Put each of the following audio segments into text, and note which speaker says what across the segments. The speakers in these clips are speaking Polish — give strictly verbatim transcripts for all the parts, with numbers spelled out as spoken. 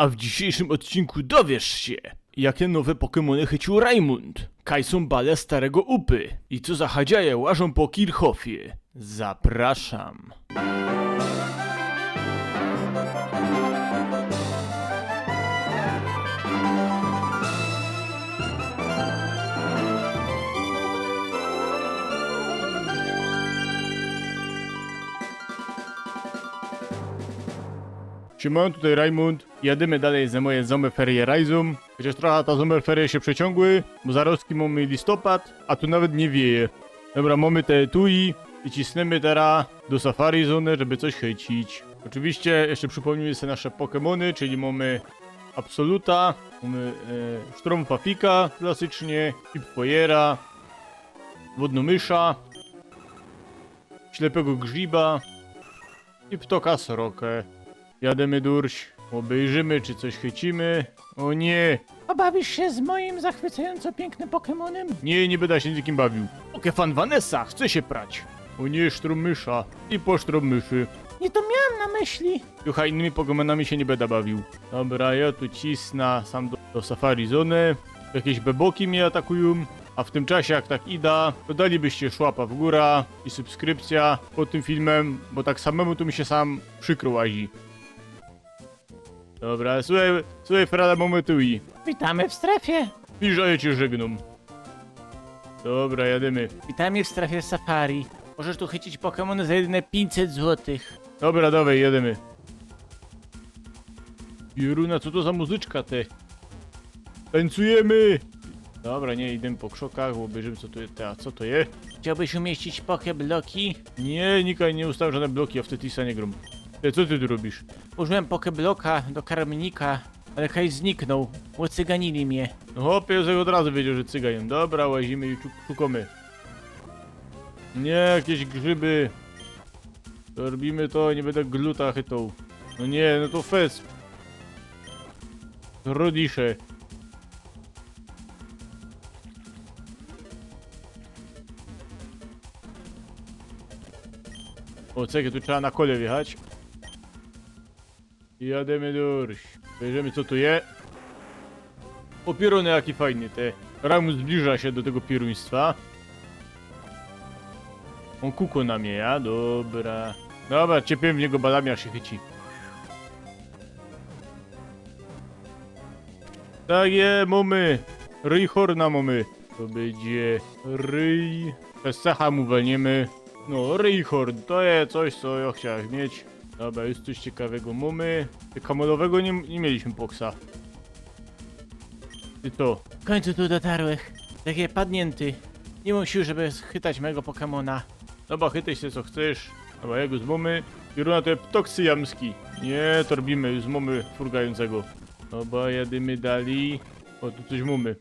Speaker 1: A w dzisiejszym odcinku dowiesz się, jakie nowe Pokemony chycił Raimund, kaj są bale starego Upy i co za hadziaje łażą po Kirchhoffie. Zapraszam. Siemano, tutaj Raimund. Jadymy dalej za moje Sommerferie Reisum. Chociaż trochę ta Sommerferie się przeciągły, bo zaroski mamy listopad, a tu nawet nie wieje. Dobra, mamy te etui i cisnemy teraz do Safari Zone, żeby coś chycić. Oczywiście jeszcze przypomnijmy sobie nasze Pokemony, czyli mamy Absoluta, mamy e, Sztormfafika klasycznie, Hipfoyera, Wodnomysza, Ślepego Grzyba i Ptoka Srokę. Jademy durś, obejrzymy czy coś chycimy. O nie!
Speaker 2: Obawisz się z moim zachwycająco pięknym Pokemonem?
Speaker 1: Nie, nie będę się z nikim bawił. Pokefan Vanessa chce się prać. O nie, Sztrommysza i po Sztrommyszy.
Speaker 2: Nie to miałam na myśli.
Speaker 1: Jucha, innymi Pokemonami się nie będę bawił. Dobra, ja tu cisnę sam do, do Safari Zone. Jakieś beboki mnie atakują. A w tym czasie, jak tak ida, to dalibyście szłapa w górę i subskrypcja pod tym filmem, bo tak samemu tu mi się sam przykro łazi. Dobra, słuchaj, słuchaj Frada Mometui.
Speaker 2: Witamy w strefie.
Speaker 1: Pisz, a ja cię żegnam. Dobra, jadymy.
Speaker 2: Witamy w strefie Safari. Możesz tu chycić Pokemony za jedyne pięćset złotych.
Speaker 1: Dobra, dawaj, jedziemy. Pieruna, co to za muzyczka te? Tańcujemy! Dobra, nie, idę po krzokach, bo obejrzymy co to jest. A co to jest?
Speaker 2: Chciałbyś umieścić Pokebloki?
Speaker 1: Nie, nikaj nie ustawiam żadne bloki, ja w Tetrisa nie gram. Ty, co ty tu robisz?
Speaker 2: Użyłem Pokebloka do karmnika, ale kaj zniknął. Łocyganili mnie.
Speaker 1: No hopie, już od razu wiedział, że cygajem. Dobra, łazimy i szukamy. Nie, jakieś grzyby. To robimy to, nie będę gluta chytał. No nie, no to fest. Rodisze. O, czekaj, tu trzeba na kole wjechać. I jademy durś. Bierzemy co tu je. O, pierony jaki fajny te. Ramus zbliża się do tego pieruństwa. On kuko na mnie, ja? Dobra. Dobra, ciepię w niego balami, aż się chyci. Tak je, mamy. Ryj horna mamy. To będzie ryj. Przez cecha mu walniemy. No, ryjhorn, to jest coś, co ja chciałem mieć. Dobra, jest coś ciekawego mamy. Kamolowego nie, nie mieliśmy poksa. I to.
Speaker 2: W końcu tu dotarłych. Takie padnięty. Nie mam sił, żeby schytać mego Pokemona.
Speaker 1: Dobra, chytaj się co chcesz. Dobra, jego z mamy. Pieruna to jest ptok syjamski. Nie, to robimy już z mamy furgającego. Dobra, jadymy dalej. O, tu coś mamy.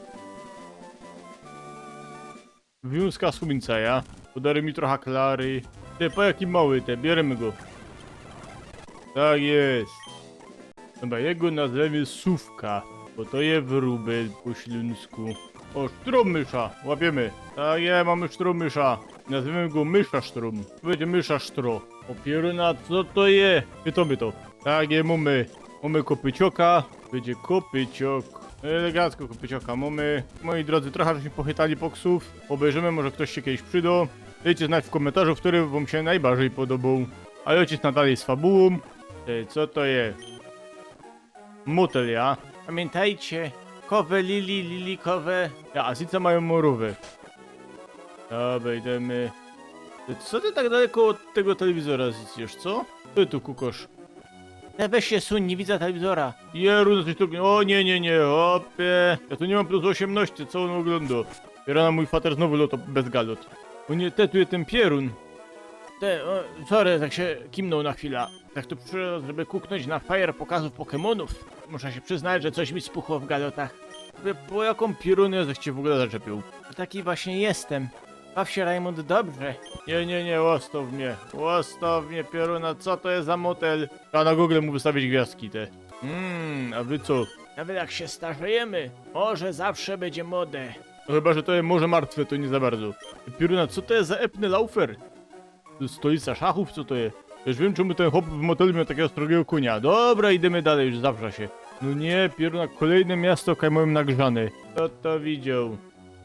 Speaker 1: Wiązka słońca, ja. Podary mi trochę klary. Te, po jaki mały te, bierzemy go. Tak jest. Dobra, jego nazwiemy Sówka, bo to je wróbel po śląsku. O, Sztromysza, łapiemy. Tak jest, mamy Sztromysza. Nazwiemy go Mysza Sztrom. To będzie Mysza Sztro. O, pieruna, co to je? Pytamy to. Tak jest, mamy. Mamy kopycioka. Będzie kopyciok. Elegancko kopycioka mamy. Moi drodzy, trochę żeśmy pochytali poksów. Obejrzymy, może ktoś się kiedyś przydał. Dajcie znać w komentarzu, który wam się najbardziej podobał. A ojciec nadal z fabułą. Ej, co to jest? Motel, ja?
Speaker 2: Pamiętajcie, kowe lili, lilikowe.
Speaker 1: Ja, a sice mają morowe. Dobra, idziemy. Ty, co ty tak daleko od tego telewizora zjesz, co? Ty tu kukosz.
Speaker 2: Ale weź się suń, nie widzę telewizora.
Speaker 1: Jeru, coś tu... O nie, nie, nie, hopie. Ja tu nie mam plus osiemnaście, co on ogląda? Rana mój fater znowu loto bez galot. O nie, te tu jest ten pierun.
Speaker 2: Te, o, sorry, tak się kimnął na chwilę. Tak tu przyszedłem, żeby kuknąć na fajer pokazów Pokemonów. Muszę się przyznać, że coś mi spuchło w galotach.
Speaker 1: Wy, po jaką pierunę żeście w ogóle zaczepił?
Speaker 2: Taki właśnie jestem. Baw się, Raimund, dobrze.
Speaker 1: Nie, nie, nie, łastaw mnie. Łastaw mnie, pieruna, co to jest za motel? A na Google mu wystawić gwiazdki te. Mmm, a wy co?
Speaker 2: Nawet jak się starzejemy, może zawsze będzie modę.
Speaker 1: No chyba, że to jest morze martwe, to nie za bardzo. Pieruna, co to jest za epny laufer? To jest stolica szachów, co to jest? Już wiem, czemu ten chłop w motelu miał takiego strogiego konia. Dobra, idziemy dalej, już zawrza się. No nie, pieruna, kolejne miasto kajmołem nagrzane. Kto to widział?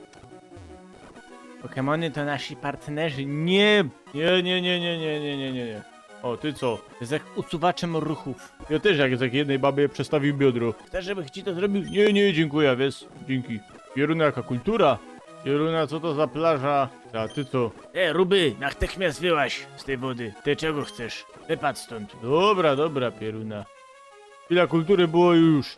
Speaker 2: Pokemony to nasi partnerzy.
Speaker 1: Nie, nie, nie, nie, nie, nie, nie, nie, nie, nie. O, ty co?
Speaker 2: Z jak usuwaczem ruchów.
Speaker 1: Ja też jak z jak jednej babie przestawił biodro.
Speaker 2: Chcesz, żebym ci to zrobił?
Speaker 1: Nie, nie, dziękuję, wiesz? Dzięki. Pieruna, jaka kultura? Pieruna, co to za plaża? A ty co?
Speaker 2: E, Ruby, natychmiast wyłaź z tej wody. Ty czego chcesz? Wypadł stąd.
Speaker 1: Dobra, dobra, Pieruna. Chwila kultury było już.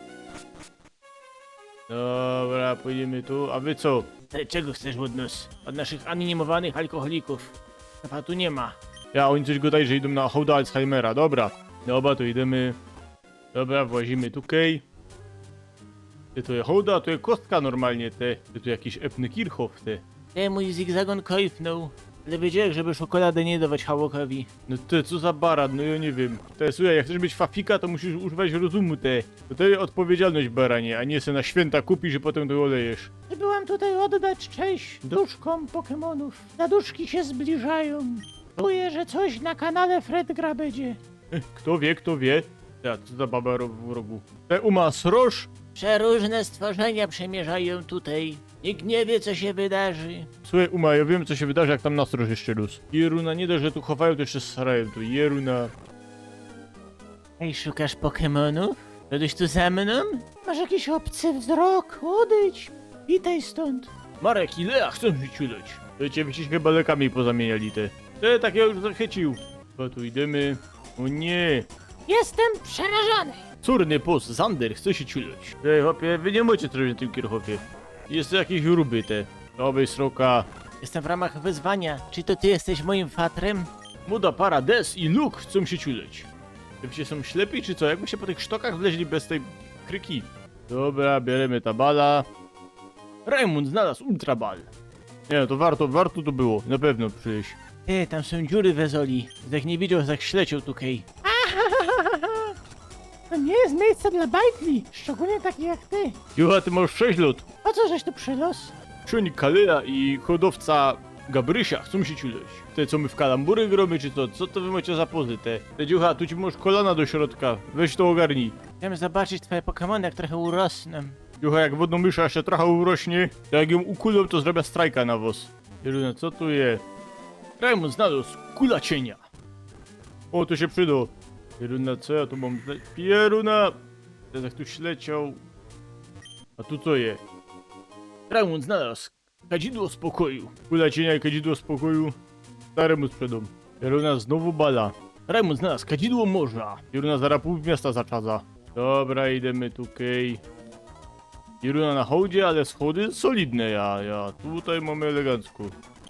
Speaker 1: Dobra, pójdziemy tu. A wy co?
Speaker 2: Ty czego chcesz od nas? Od naszych anonimowanych alkoholików. Chyba tu nie ma.
Speaker 1: Ja, oni coś gadają, że idą na hołda Alzheimera. Dobra. Dobra, to idziemy. Dobra, włazimy tutaj. Ty to jest hołda, to jest kostka normalnie, te. Ty tu jakiś epny Kirchhoff, te.
Speaker 2: E, mój zigzagon kojfnął. Ale wiedziałem, żeby czekoladę nie dawać Hałokowi.
Speaker 1: No ty, co za barat, no ja nie wiem. Te, słuchaj, jak chcesz być fafika, to musisz używać rozumu, te. To to jest odpowiedzialność, baranie, a nie se na święta kupisz i potem to olejesz.
Speaker 2: Byłam tutaj oddać cześć duszkom Pokemonów. Zaduszki się zbliżają. Czuję, że coś na kanale Fredgra będzie.
Speaker 1: Eh, Kto wie, kto wie. Ja, co za baba ro- w rogu. Te uma sroż?
Speaker 2: Przeróżne stworzenia przemierzają tutaj. Nikt nie wie, co się wydarzy.
Speaker 1: Słuchaj, uma, ja wiem, co się wydarzy, jak tam nastroż jeszcze rósł. Jeruna, nie dość, że tu chowają, to jeszcze starają tu. Jeruna.
Speaker 2: Ej, szukasz Pokemonów? Byłeś tu ze mną? Masz jakiś obcy wzrok, odejdź. Witaj stąd.
Speaker 1: Marek i Lea chcą się ciuleć. To cię się chyba lekami pozamieniali te. Te, tak ja już zachycił. Chyba tu idziemy. O nie.
Speaker 2: Jestem przerażony.
Speaker 1: Córny pos, Zander, chce się ciuleć. Ej, chłopie, wy nie możecie zrobić na tym kierchopie. Jest to jakieś ruby te. Nowej sroka.
Speaker 2: Jestem w ramach wyzwania. Czy to ty jesteś moim fatrem?
Speaker 1: Muda para, Des i Luke chcą się ciuleć. Wy się są ślepi, czy co? Jakby się po tych sztokach wleźli bez tej kryki. Dobra, bierzemy tabala. Raymond znalazł ultrabal. Nie, no to warto, warto to było. Na pewno przyjść.
Speaker 2: Ty, tam są dziury w Ezoli. Jak nie widział, jak śleciał tutaj. To nie jest miejsce dla bajtli, szczególnie takich jak ty.
Speaker 1: Jucha, ty masz sześć lat.
Speaker 2: Po co żeś tu przylos?
Speaker 1: Ksiądz Kalea i hodowca Gabrysia chcą się ciuleć. Te co my w kalambury gromy, czy to? Co to wy macie za pozy te? Te dziucha, tu ci masz kolana do środka. Weź to ogarnij.
Speaker 2: Chciałem zobaczyć twoje Pokemony, jak trochę urosną.
Speaker 1: Jucha, jak wodną mysza jeszcze trochę urośnie, to jak ją ukulą, to zrobię strajka na wos. Pieruna, co tu je? Raymond znalazł kula cienia. O, to się przyda. Pieruna, co ja tu mam? zna- Pieruna! Teraz jak tu śleciał. A tu co je? Raymond znalazł kadzidło spokoju. Kula cienia i kadzidło spokoju. Staremu sprzedam. Pieruna znowu bala. Raymond znalazł kadzidło morza. Pieruna zaraz pół miasta zaczadza. Dobra, idziemy tutaj. Pieruna na hołdzie, ale schody solidne, ja, ja. Tutaj mamy elegancko.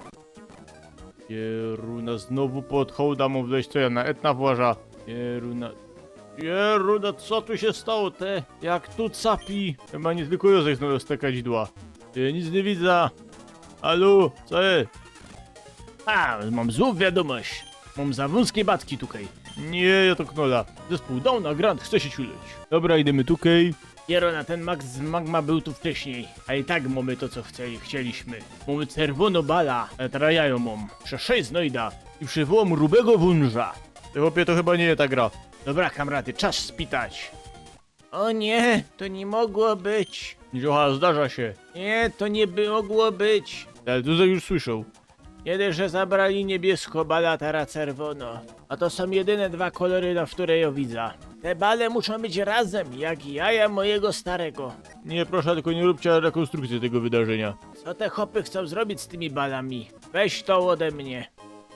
Speaker 1: Pieruna znowu pod hołda mam wleźć, co ja na etna właża. Pieruna... Pieruna, co tu się stało, te? Jak tu capi? Chyba nie tylko Józef znalazł te kadzidła. Ja nic nie widzę. Halo, co jest?
Speaker 2: A, mam złą wiadomość. Mam za wąskie batki tutaj.
Speaker 1: Nie, ja to knola. Zespół Downa Grand chce się ciuleć. Dobra, idziemy tutaj.
Speaker 2: Jerona, ten Max z Magma był tu wcześniej. A i tak mamy to, co chcieli, chcieliśmy. Mamy czerwono bala, ale teraz ja ją mam. Prze sześć znojda i przywołam rubego wunża.
Speaker 1: Ty chłopie, to chyba nie jest ta gra.
Speaker 2: Dobra, kamraty, czas spitać. O nie, to nie mogło być.
Speaker 1: Niocha, zdarza się.
Speaker 2: Nie, to nie by mogło być.
Speaker 1: Ale tutaj już słyszał.
Speaker 2: Nie dość, że zabrali niebiesko, bala teraz czerwono. A to są jedyne dwa kolory, na które ja widzę. Te bale muszą być razem, jak jaja mojego starego.
Speaker 1: Nie, proszę, tylko nie róbcie rekonstrukcji tego wydarzenia.
Speaker 2: Co te chopy chcą zrobić z tymi balami? Weź to ode mnie.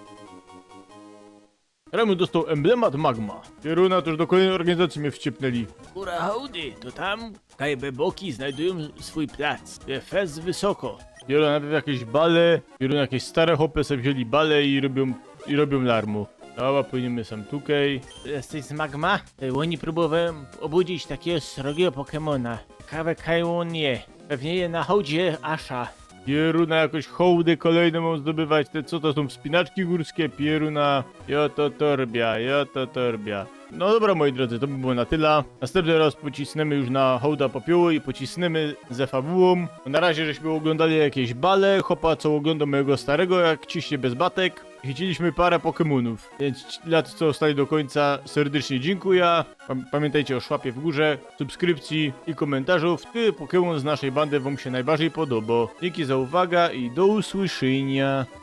Speaker 1: Remu dostał emblemat Magma. Pieruna to już do kolejnej organizacji mnie wciepnęli.
Speaker 2: Kura hołdy, to tam kajbeboki znajdują swój plac. Fez wysoko.
Speaker 1: Pieruna najpierw jakieś bale, Pieruna jakieś stare hopy sobie wzięli bale i robią, i robią larmu. Dobra, płyniemy sam tutaj.
Speaker 2: Jesteś z Magma? Y, Oni próbowałem obudzić takiego srogiego Pokemona. Kawę Kajłonie. Pewnie je na hołdzie Asha.
Speaker 1: Pieruna jakoś hołdy kolejne mam zdobywać. Te co to są wspinaczki górskie? Pieruna. Joto torbia, joto torbia. No dobra, moi drodzy, to by było na tyle. Następny raz pocisnemy już na hołda popiołu i pocisnemy ze fabułą. Na razie żeśmy oglądali jakieś bale, chopa co ogląda mojego starego jak ciśnie bez batek. Chyciliśmy parę Pokemonów, więc ci- dla tych, co zostali do końca, serdecznie dziękuję. Pam- Pamiętajcie o szłapie w górze, subskrypcji i komentarzu, który Pokemon z naszej bandy wam się najbardziej podoba. Dzięki za uwagę i do usłyszenia.